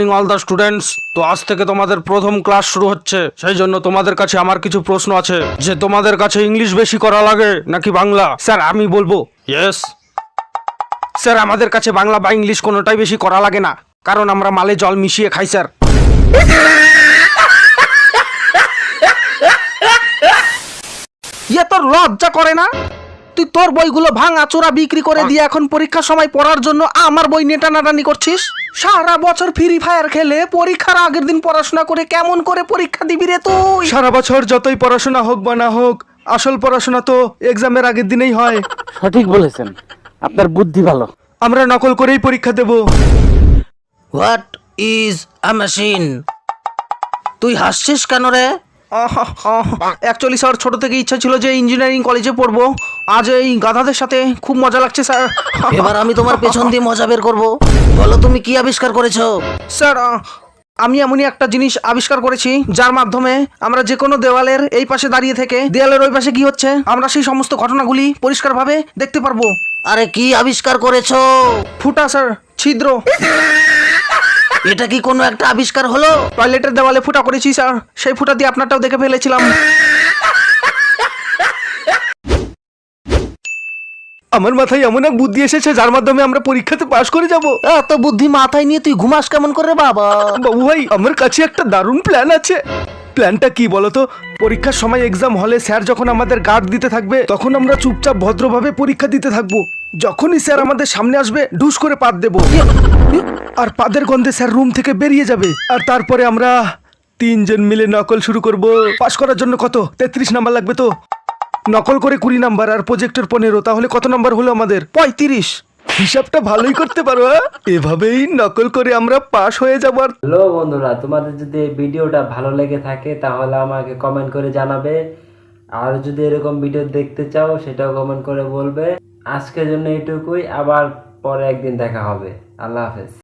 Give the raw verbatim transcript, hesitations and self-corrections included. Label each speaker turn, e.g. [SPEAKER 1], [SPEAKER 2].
[SPEAKER 1] All the students, তো আজ থেকে তোমাদের প্রথম ক্লাস শুরু হচ্ছে। সেই জন্য তোমাদের কাছে আমার কিছু প্রশ্ন আছে, যে তোমাদের কাছে ইংলিশ বেশি করা লাগে নাকি বাংলা? স্যার আমি বলবো ইয়েস। স্যার আমাদের কাছে বাংলা বা ইংলিশ কোনোটাই বেশি করা লাগে না, কারণ আমরা মালে জল মিশিয়ে খাই স্যার। ইয়ে তোর লজ্জা করে না? তুই তোর বইগুলো ভাঙা চোরা বিক্রি করে দিয়ে এখন পরীক্ষার সময় পড়ার জন্য আমার বই নিয়ে টানাটানি করছিস। সারা বছর ফ্রি ফায়ার খেলে পরীক্ষার আগের দিন পড়াশোনা করে কেমন করে পরীক্ষা দিবি রে তুই? সারা বছর যতই পড়াশোনা হোক বা না হোক, আসল পড়াশোনা তো এক্সামের আগের দিনেই হয়।
[SPEAKER 2] সঠিক বলেছেন, আপনার বুদ্ধি ভালো।
[SPEAKER 1] আমরা নকল করেই পরীক্ষা দেব।
[SPEAKER 3] What is a machine? তুই হাসছিস কেন রে?
[SPEAKER 1] অ্যাকচুয়ালি স্যার, ছোট থেকে ইচ্ছা ছিল যে ইঞ্জিনিয়ারিং কলেজে পড়বো। আজ এই গাধাদের সাথে খুব মজা লাগছে স্যার।
[SPEAKER 3] এবার আমি তোমার পেছন দিয়ে মজা বের করবো। বলো তুমি কি আবিষ্কার করেছো?
[SPEAKER 1] স্যার আহ, আমি এমনই একটা জিনিস আবিষ্কার করেছি যার মাধ্যমে আমরা যে কোনো দেওয়ালের এই পাশে দাঁড়িয়ে থেকে দেওয়ালের ওই পাশে কি হচ্ছে আমরা সেই সমস্ত ঘটনাগুলি পরিষ্কারভাবে দেখতে পারবো।
[SPEAKER 3] আরে কি আবিষ্কার করেছো?
[SPEAKER 1] ফুটা স্যার, ছিদ্র।
[SPEAKER 3] এটা কি কোনো একটা আবিষ্কার হলো?
[SPEAKER 1] টয়লেটের দেওয়ালে ফুটা করেছি স্যার, সেই ফুটা দিয়ে আপনারটাও দেখে ফেলেছিলাম। আমার মাথায় এমন এক বুদ্ধি এসেছে যার মাধ্যমে আমরা পরীক্ষাতে পাশ করে যাব।
[SPEAKER 3] এত বুদ্ধি মাথায় নিয়ে তুই ঘুমাস কেমন করে বাবা?
[SPEAKER 1] বাবু ভাই, আমার কাছে একটা দারুণ প্ল্যান আছে। প্ল্যানটা কি বলতো? পরীক্ষার সময় এক্সাম হলে স্যার যখন আমাদের গার্ড দিতে থাকবে, তখন আমরা চুপচাপ ভদ্রভাবে পরীক্ষা দিতে থাকবো। যখনই স্যার আমাদের সামনে আসবে, ঢুস করে পাত দেব, আর পাদের গন্ধে স্যার রুম থেকে বেরিয়ে যাবে। আর তারপরে আমরা তিনজন মিলে নকল শুরু করব। পাশ করার জন্য কত তেত্রিশ নাম্বার লাগবে তো? নকল করে কুড়ি নাম্বার আর প্রজেক্টর পনেরো, তাহলে কত নাম্বার হলো আমাদের? পঁয়ত্রিশ। হিসাবটা ভালোই করতে পারো। হ্যাঁ, এভাবেই নকল করে আমরা পাশ হয়ে যাব। আর
[SPEAKER 4] হ্যালো বন্ধুরা, তোমাদের যদি এই ভিডিওটা ভালো লেগে থাকে তাহলে আমাকে কমেন্ট করে জানাবে, আর যদি এরকম ভিডিও দেখতে চাও সেটাও কমেন্ট করে বলবে। আজকের জন্য এইটুকুই, আবার পরে একদিন দেখা হবে। আল্লাহ হাফেজ।